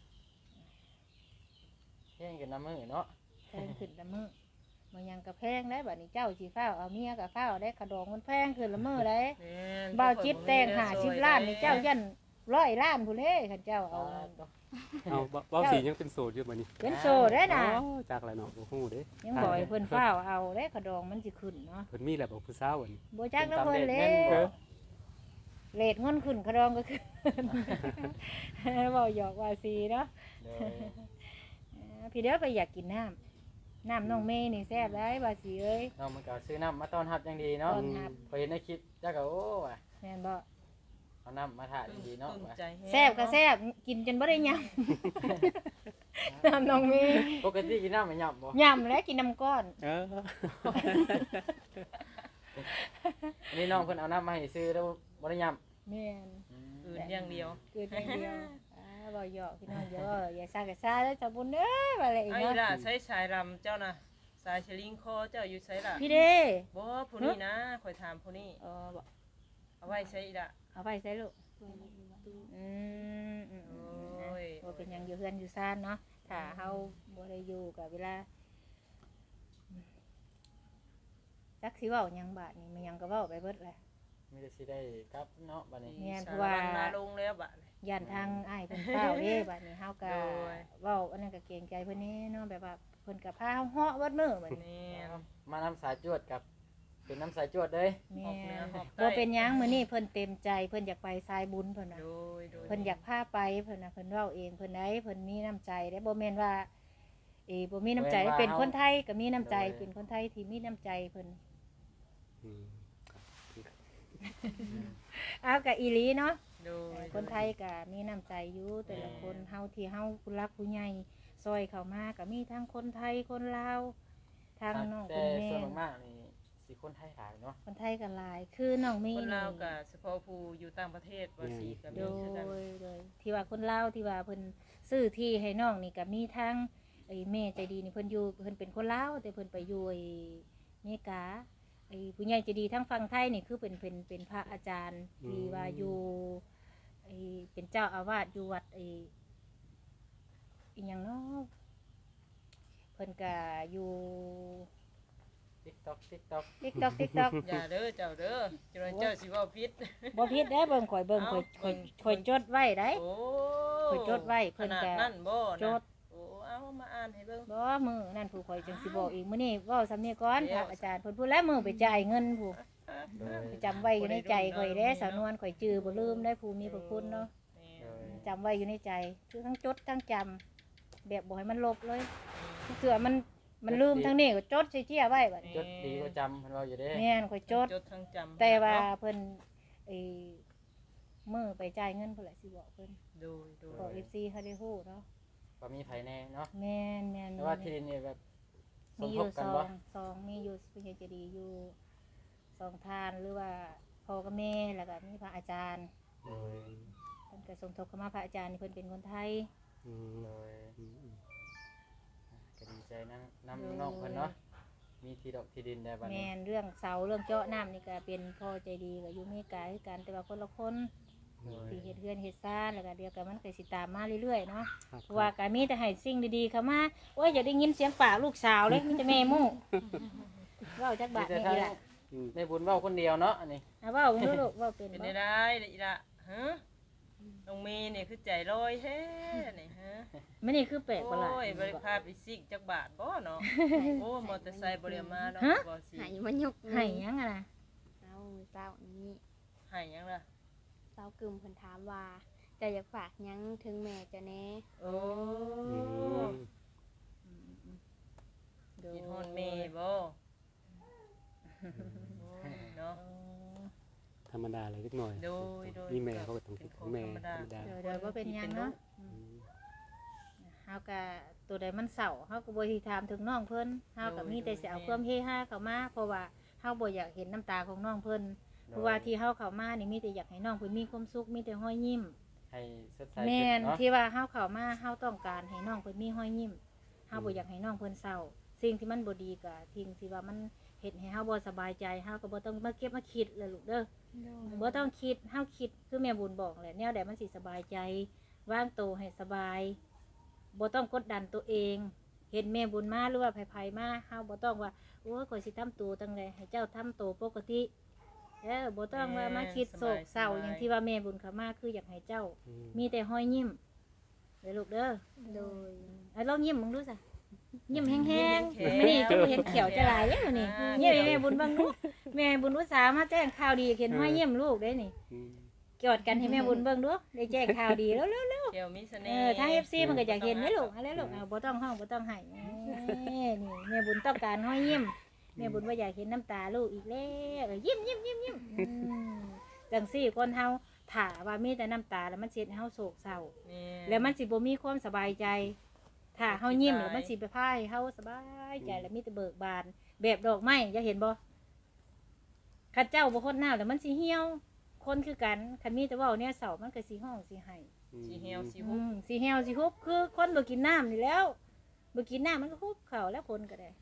[SPEAKER 2] เฮ็ดกันน้ำมือเนาะ
[SPEAKER 1] แพงขึ้นละมื้อมันยังก็แพงได้บัดนี้เจ้าสิฟ้าวเอาเมียก็ฟ้าวได้ขะดองมันแพงขึ้นละมื้อได้
[SPEAKER 4] แม่น
[SPEAKER 1] บ่าวจิตแต่ง50ล้านนี่เจ้ายัน100ล้านพุ่นเด้คันเจ้าเอา
[SPEAKER 6] เอาเว้าสียังเป็นโสดอยู่บัดนี้
[SPEAKER 1] เป็นโซได้น่ะ
[SPEAKER 6] อ๋อจากแล้วเนาะบ่ฮู้เด้
[SPEAKER 1] ยังบ่ให้เพิ่นฟ้าวเอาได้ขะดองมันสิขึ้นเนาะ
[SPEAKER 6] เพิ่นมีแล้วบ่ผู้สาวอันนี้
[SPEAKER 1] บ่จักแล้วเพิ่นเลยเลทเงินขึ้นขะดองก็ขึ้น เว้าหยอกว่าสิเนาะ
[SPEAKER 2] โดย
[SPEAKER 1] พี่เด้อไปอยากกินน้ำน้องเมย์นี่แซ่บได้บาสีเอ้ย
[SPEAKER 2] น้องมันก็ซื้อน้ำมาต้อนรับอย่างดีเนาะ
[SPEAKER 1] ต้อนรับ
[SPEAKER 2] พอเห็นในคลิปจักก็โอ้ว่ะ
[SPEAKER 1] แม่นบ่
[SPEAKER 2] เอาน้ำมาถ่ายดีๆเนาะ
[SPEAKER 4] ปลื้ม
[SPEAKER 2] ว่ะ
[SPEAKER 4] ใจห้ง
[SPEAKER 1] แซ่บก็แซ่บกินจนบ่ได้ยำ น้ำน้องเมย์
[SPEAKER 2] ปกติกินน้ำไม่หยับบ่
[SPEAKER 1] ยำแล้วกินน้ำก้อน
[SPEAKER 6] เออ
[SPEAKER 2] อันนี้น้องเพิ่นเอาน้ำมาให้ซื้อแล้วบ่ได้หยับ
[SPEAKER 1] แม่น
[SPEAKER 4] อื่นอย่างเดียว
[SPEAKER 1] เกิดอย่างเดียวบ่หยอกพี่น้องเดี๋ยวอย่าซ่าก็ซ่าแล้วจะบุญเด้อว่าอะไรอีก
[SPEAKER 4] ไอ้
[SPEAKER 1] เนาะ
[SPEAKER 4] ล่ะใช้สายรำเจ้าน่ะสายสลิงคอเจ้าอยู่ใช้ล่ะ
[SPEAKER 1] พี่เด้
[SPEAKER 4] บ่ผู้นี้นะข่อยถามผู้นี้
[SPEAKER 1] บ่
[SPEAKER 4] เอาไว้ใช้อีกล่ะ
[SPEAKER 1] เอาไปใส่ลูก
[SPEAKER 5] เพื่อนอยู่ว่า
[SPEAKER 1] อืม
[SPEAKER 4] โอ้ย
[SPEAKER 1] บ่เป็นหยังอยู่เฮือนอยู่ซ่านเนาะถ้าเฮาบ่ได้อยู่กับเวลาจักสิเว้าหยังบาดนี่มันหยังก็เว้าไปเบิดแหละ
[SPEAKER 2] มีแต่สิได้กลับเนาะบัดนี้
[SPEAKER 1] แม่นเพ
[SPEAKER 4] สา
[SPEAKER 1] ราะ
[SPEAKER 4] ร
[SPEAKER 1] ว่า
[SPEAKER 4] วันมาลงแล้วบัดนี้
[SPEAKER 1] ย่านทางอ้ายเพิ่นเฝ้าเด้บัดนี้เฮาก็
[SPEAKER 4] โดย
[SPEAKER 1] เว้าอันนั้นก็เกรงใจเพิ่นแน่เนาะแบบว่าเพิ่นก็พาเฮาเหาะเบิดมื้อบัดนี้
[SPEAKER 4] แม่น
[SPEAKER 2] มาน้ำสายจวดกับเป็นน้ำสายจวดเลย
[SPEAKER 1] แม่
[SPEAKER 4] ออกเหนือออกใต้
[SPEAKER 1] บ่เป็นหยังมื้อนี้เพิ่นเต็มใจเพิ่นอยากไปสายบุญเพิ่นน่ะ
[SPEAKER 4] โดยโดย
[SPEAKER 1] เพิ่นอยากพาไปเพิ่นน่ะเพิ่นเว้าเองเพิ่นได้เพิ่นมีน้ำใจได้บ่แม่นว่าบ่มีน้ำใจเป็นคนไทยก็มีน้ำใจเป็นคนไทยที่มีน้ำใจเพิ่น
[SPEAKER 6] อืม
[SPEAKER 1] เอาก็อีหลีเนาะ
[SPEAKER 4] โดย
[SPEAKER 1] คนไทยก็มีน้ำใจอยู่แต่ละคนเฮาที่เฮาผู้รักผู้ใหญ่ซอยเข้ามาก็มีทั้งคนไทยคนลาวทางน้อง
[SPEAKER 2] แต่
[SPEAKER 1] คุณแม่
[SPEAKER 2] ส่วนมากๆนี่สิคนไทยหลายเนาะ
[SPEAKER 1] คนไทยก็หลายคือน้องมี
[SPEAKER 4] คนลาว
[SPEAKER 1] นี่
[SPEAKER 4] ก็เฉพาะผู้อยู่ต่างประเทศว่าสิก็
[SPEAKER 1] โด
[SPEAKER 4] มีคือกัน
[SPEAKER 1] ยที่ว่าคนลาวที่ว่าเพิ่นซื้อที่ให้น้องนี่ก็มีทั้งไอ้แม่ใจดีนี่เพิ่นอยู่เพิ่นเป็นคนลาวแต่เพิ่นไปอยู่ไอ้อเมริกาไอ้ผู้ใหญ่ใจดีทั้งฝั่งไทยนี่คือเป็นพระอาจารย์ที่ว่าอยู่ไอ้เป็นเจ้าอาวาสอยู่วัดไอ้อีหยังเนาะเพิ่นก็อยู่
[SPEAKER 2] TikTok
[SPEAKER 1] TikTok
[SPEAKER 4] อย่าเด้อเจ้าเด้อเจ้าเจ้าสิเว้าผิด
[SPEAKER 1] บ่ผิดเด้เบิ่งข่อยเบิ่งข่อย
[SPEAKER 4] เอ้า
[SPEAKER 1] ข่อยจดไว้ได้
[SPEAKER 4] โอ้
[SPEAKER 1] ข่อยจดไว้เพิ่น
[SPEAKER 4] ขนาด
[SPEAKER 1] ก็
[SPEAKER 4] นั้นบ่นะ
[SPEAKER 1] จด
[SPEAKER 4] โอ้เอามาอ่านให้เบิ่ง
[SPEAKER 1] บ่มือนั่นผู้ข่อยจังสิบอกอีกมื้อนี้เว้าสำเนียงก่อน
[SPEAKER 4] เดี๋
[SPEAKER 1] พ
[SPEAKER 4] ยว
[SPEAKER 1] ระอาจารย์เพิ่นพูดแล้วมือไปจ่ายเงินผู้
[SPEAKER 2] โดย
[SPEAKER 1] ไปจำไว้อยู่ในใจข่อยเด้สาวนวลข่อยจื้อบ่ลืมได้ผู้มีพระคุณเนาะ
[SPEAKER 4] แม่
[SPEAKER 2] โดย
[SPEAKER 1] จำไว้อยู่ในใจคือทั้งจดทั้งจำแบบบ่ให้มันลบเลยเถื่อมันลืมทั้งนี้ก็จดใส่เจี้ยไว้บัดนี้
[SPEAKER 2] จดดีก็จำเพิ่นเว้าอยู่เด้
[SPEAKER 1] แม่นข่อยจด
[SPEAKER 4] จดทั้งจำ
[SPEAKER 1] แต่ว่า
[SPEAKER 4] เนะ
[SPEAKER 1] เพิ่นไอ้มือไปจ่ายเงินพุ่นแหละสิบอกเพิ่น
[SPEAKER 4] โดยโดย
[SPEAKER 1] บอก FC เขาได้ฮู้เนาะ
[SPEAKER 2] ก็มีไผแน่เนาะ
[SPEAKER 1] แม่น
[SPEAKER 2] แต่ว่าที่ดินนี่แบบส
[SPEAKER 1] มี
[SPEAKER 2] ม
[SPEAKER 1] อ
[SPEAKER 2] ท
[SPEAKER 1] ยู่
[SPEAKER 2] บกัน
[SPEAKER 1] สอ
[SPEAKER 2] บ่
[SPEAKER 1] งมีอยู่ผู้ใหญ่ใจะดีอยู่สองทานหรือว่าพ่อกับแม่แล้วก็มีพระอาจารย์
[SPEAKER 6] โดย
[SPEAKER 1] เพิ่นก็สมทบเข้ามาพระอาจารย์นี่เพิ่นเป็นคนไทย
[SPEAKER 6] อืม
[SPEAKER 2] โดย
[SPEAKER 6] อืม
[SPEAKER 2] ก็ดีใจนะนำน้องเพิ่นเนาะมีที่ดอกที่ดินได้บัด
[SPEAKER 1] แม่
[SPEAKER 2] นี้
[SPEAKER 1] นเรื่องเสาเรื่องเจาะน้ำนี่ก็เป็นพ่อใจดีก็อยู่อเมริกาคือกันแต่ว่าคนละคน
[SPEAKER 2] โดย
[SPEAKER 1] ที่เฮ็ดเฮือนเฮ็ดซ่านแล้วก็เดียวกันมันก็สิตามมาเรื่อยๆเนาะ
[SPEAKER 6] ครับ
[SPEAKER 1] เพราะว่าก็มีแต่ให้สิ่งดีๆเข้ามาโอ้ยอย่าได้ยินเสียงปากลูกสาวเลยมีแต่แม่หมู่เว้าจักบาท
[SPEAKER 2] แต่
[SPEAKER 1] แม่
[SPEAKER 2] ทาง
[SPEAKER 1] อีล่ะ
[SPEAKER 6] อืม
[SPEAKER 2] แม่บุญเว้าคนเดียวเนาะอันนี้
[SPEAKER 1] อ่ะเว้าเบิ่งดูลูกเว้าเป็น
[SPEAKER 4] เป็น
[SPEAKER 1] บ่
[SPEAKER 4] ได้ได้อีละฮะน้องเมย์นี่คือใจลอยแท้นี่ฮะ
[SPEAKER 1] มันนี่คือแปลกประหลาด
[SPEAKER 4] โอ้ยบริภาพอีสิกจักบาทบ่เนาะโอ้มอเตอร์ไซค์บ่ได้มาเนาะ
[SPEAKER 1] ฮะ
[SPEAKER 4] บ่สิ
[SPEAKER 5] หายมันยก
[SPEAKER 1] ให้หยังอะนะ
[SPEAKER 5] เศร้านี้
[SPEAKER 4] ให้หยังล่ะ
[SPEAKER 5] เศร้ากึมเพิ่นถามว่าจะอยากฝากหยังถึงแม่จะแน่
[SPEAKER 4] โอ้
[SPEAKER 6] อืม
[SPEAKER 4] กินฮอนเมย์บ่โอ้ยเนาะ
[SPEAKER 6] ธรรมดาเลยเล็กน้อย
[SPEAKER 4] โดยโดย
[SPEAKER 6] มีแม่เขาก็ต้องคิดถึงแม่
[SPEAKER 4] เป็นของ
[SPEAKER 6] ธรรมดา
[SPEAKER 1] เดี๋ยวว่าเป็นหยังเนาะ
[SPEAKER 6] อืม
[SPEAKER 1] เฮาก็ตัวใดมันเศร้าเฮาก็บ่สิถามถึงน้องเพิ่นเฮาก็มีแต่สิเอาความเฮฮาเข้ามาเพราะว่าเฮาบ่อยากเห็นน้ำตาของน้องเพิ่นเพราะว่าที่เฮาเข้ามานี่มีแต่อยากให้น้องเพิ่นมีความสุขมีแต่รอยยิ้ม
[SPEAKER 2] ให้สดใส
[SPEAKER 1] แม่
[SPEAKER 2] ขึ้
[SPEAKER 1] น
[SPEAKER 2] เนาะ
[SPEAKER 1] ที่ว่าเฮาเข้ามาเฮาต้องการให้น้องเพิ่นมีรอยยิ้มเฮาบ่อยากให้น้องเพิ่นเศร้าสิ่งที่มันบ่ดีก็ทิ้งที่ว่ามันเฮ็ดให้เฮาบ่สบายใจเฮาก็บ่ต้องมาเก็บมาคิดเลยลูกเด้อ บ่ต้องคิดเฮาคิดคือแม่บุญบอกแหละแนวใดมันสิสบายใจวางตัวให้สบายบ่ต้องกดดันตัวเองเห็นแม่บุญมาหรือว่าไผๆมาเฮาบ่ต้องว่าโอ้ยข่อยสิทำตัวจังไดให้เจ้าทำตัวปกติบ่ต้องว่ามาคิดโศกเศร้าอย่างที่ว่าแม่บุญเขามาคืออยากให้เจ้า
[SPEAKER 6] อืม
[SPEAKER 1] มีแต่ห้อยยิ้มเด้อลูกเด้อ
[SPEAKER 5] โดย
[SPEAKER 1] ลองยิ้มมึงดูซะยิ้มแห้งๆมื้อนี้คือเห็นเขียวจะหลายอยู่นี่ยิ้มให้แม่บุญเบิ่งดูแม่บุญอุตส่าห์มาแจ้งข่าวดีเห็นห้อยยิ้มลูกได้นี่
[SPEAKER 6] อืม
[SPEAKER 1] กอดกันให้แม่บุญเบิ่งดูได้แจ้งข่าวดีแล้ว
[SPEAKER 4] เกี่ยวมีเส
[SPEAKER 1] เอ
[SPEAKER 4] น่
[SPEAKER 1] อ
[SPEAKER 4] ห์
[SPEAKER 1] ทาง FC มันก็อยากเห็นนี่ลูกอะไรลูกบ่ต้องห้องบ่ต้องให้นี่แม่บุญต้องการห้อยยิ้มแม่บุญว่าอยากเห็นน้ำตาลูกอีกแล้วยิ้มจังซี่คนเฮาถ้าว่ามีแต่น้ำตาแล้วมันสิเฮ็ดให้เฮาโศกเศร้า
[SPEAKER 4] นี่
[SPEAKER 1] แล้วมันสิบ่มีความสบายใจถ้าเฮายิ้มแล้วมันสิไปพายเฮาสบายใจแล้วมีแต่เบิกบานแบบดอกไม้อย่าเห็นบ่ข้าเจ้าบ่คนหน้าแล้วมันสิเหี่ยวคนคือกันคันมีแต่เว้าเนี่ยเศร้ามันก็สิห้องสิให้
[SPEAKER 4] สิเหี่ยวสิ
[SPEAKER 1] อื
[SPEAKER 4] หุบ
[SPEAKER 1] มสีเหี่ยวสิฮุบคือคนบ่กินน้ำนี่แล้วบ่กินน้ำมันก็ฮุบเข่าแล้วคนก็ได้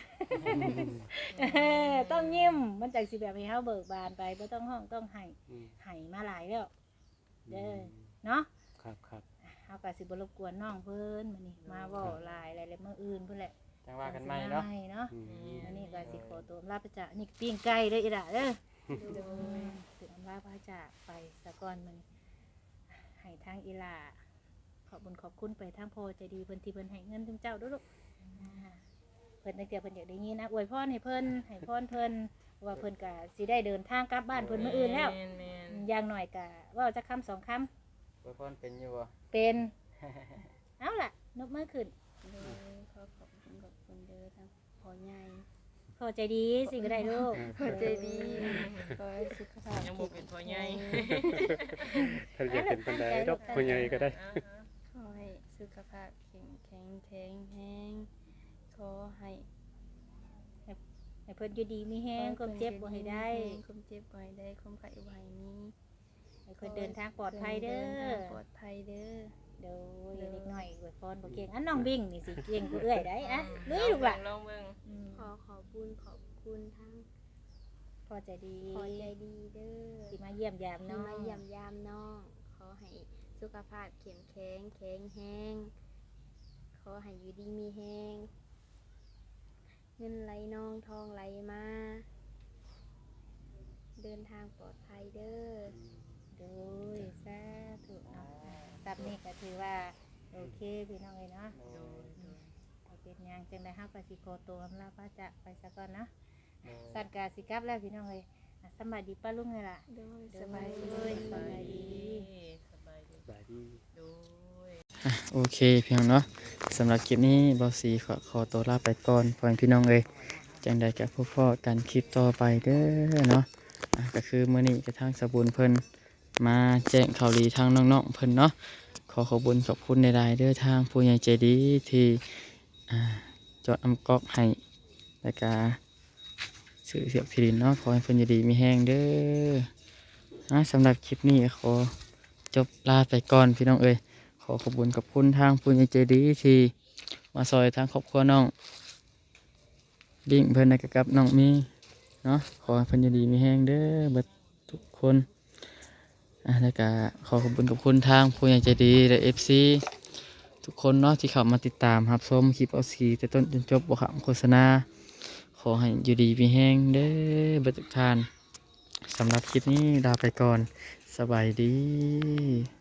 [SPEAKER 1] ต้องยิ้มมันจังสิแบบให้เฮาเบิกบานไปบ่ต้องห้องต้องให้
[SPEAKER 6] อืม
[SPEAKER 1] ให้มาหลายแล้วเด้อเนาะ
[SPEAKER 6] ครับครับ
[SPEAKER 1] เฮาก็สิบ่รบกวนน้องเพิ่นมื้อนี้มาเว้าหลายหลายๆมื้ออื่นพุ่นแหละ
[SPEAKER 2] จังว่ากันใหม่เนาะ
[SPEAKER 1] เนาะ
[SPEAKER 6] อืม
[SPEAKER 1] อันนี้ก็สิขอตัวลาไปจ้ะนี่ปิ้งไก่เด้ออีหล่ะเด้อโดยถึงว่าพระจากไปสะก่อนมันให้ทางอีหลาขอบคุญขอบคุณไปทางพ่อใจดีเพิ่นที่เพิ่นให้เงินถึงเจ้าเด้วยลูกเพิ่นตั้งแต่เพิ่นอยากได้ยินนะอวยพรให้เพิ่นให้พรเพิ่นว่าเพิ่นก็สิได้เดินทางกลับบ้านเพิ่นมื้ออื่นแล้ว
[SPEAKER 4] แม่น
[SPEAKER 1] อย่างหน่อยก็เว้าจักคำสองคำ
[SPEAKER 2] อวยพรเป็นอยู่บ่
[SPEAKER 1] เป็น เอาล่ะนกมือขึ้น
[SPEAKER 5] โดยขอขอบคุณเด้อทั้งพ่อใหญ่
[SPEAKER 1] พอใจดีสิก็ได้ลูก
[SPEAKER 5] พ่อใจดีขอให้สุขภาพ
[SPEAKER 4] ยังบ่เป็นพ่อใหญ่
[SPEAKER 6] ถ้าอยากเป็นปันไดดอกผู้ใหญ่ก็ได้
[SPEAKER 5] ขอให้สุขภาพแข็งแรงแห้งขอให้
[SPEAKER 1] ให้เพิ่นอยู่ดีมีแฮงความเจ็บบ่ให้ได้
[SPEAKER 5] ความเจ็บบ่ให้ได้ความไข้บ่ให้มี
[SPEAKER 1] ให้เพิ่นเดินทางปลอดภัยเด้อ
[SPEAKER 5] ดินทางปลอดภัยเด้อ
[SPEAKER 1] เดี๋ยวเด็กน้อยอวยพรบ่เก่งอันน้องบิ่งนี่สิเก่งกว่าเอื้อยได้อะลุยลูกล่ะ
[SPEAKER 4] ลองเบิ่ง
[SPEAKER 5] ขอขอบคุณทั้ง
[SPEAKER 1] พอใจดี
[SPEAKER 5] พอใจดีเด้อ
[SPEAKER 1] สิมาเยี่ยมยาม
[SPEAKER 5] ที่
[SPEAKER 1] น้อง
[SPEAKER 5] มาเยี่ยมยามน้อง ขอให้สุขภาพเข้มแข็งแห้งขอให้อยู่ดีมีแห้งเงินไหลนองทองไหลมา เดินทางปลอดภัยเด้อ
[SPEAKER 1] โดยสาธุเนาะซับนี่ก็ถือว่าโอเคพี่น้องเอ้ยเนาะเอาเป็นหยังจังได๋เฮาก็สิขอตัวอำลาพระจากไปซะก่อนเนาะสัตว์กาสิกลับแล้วพี่น้องเอ้ยสำบายดีป้าลุงเลยล่ะ
[SPEAKER 5] โดย
[SPEAKER 1] โด
[SPEAKER 5] สบายดี
[SPEAKER 1] สบายดี
[SPEAKER 4] สบายดี
[SPEAKER 6] สบายดี
[SPEAKER 4] โดย
[SPEAKER 3] โอเคพี่น้องเนาะสำหรับคลิปนี้บอสีขอตัวลาไปก่อนพ่อแม่พี่น้องเอ้ยจังใดกับพ่อกันคลิปต่อไปเด้อเนาะก็คือมื้อนี้จะทางสบุญเพิ่นมาแจ้งข่าวดีทางน้องๆเพิ่นเนาะขอขอบคุญขอบคุณในรายๆเด้อทางผู้ใหญ่ใจดีที่จอดอำกอกให้แล้วก็สื่อเสียบที่ดินเนาะขอให้เพิ่นอยู่ดีมีแห้งเด้อสำหรับคลิปนี้ขอจบลาไปก่อนพี่น้องเอ้ยขอขอบคุณกับคุณทางผู้ใหญ่ใจดีที่มาซอยทางครอบครัวน้องบิ่งเพิ่นนะกับน้องมีเนาะขอให้เพิ่นอยู่ดีมีแห้งเด้อเบิดทุกคนแล้วก็ขอขอบคุณกับคุณทางผู้ใหญ่ใจดีและ FC ทุกคนเนาะที่เข้ามาติดตามรับชมคลิปเอาสีแต่ต้นจนจบบ่ขำโฆษณาขอให้อยู่ดีมีแห้งเด้อเบิดทุกท่านสำหรับคลิปนี้ลาไปก่อนสบายดี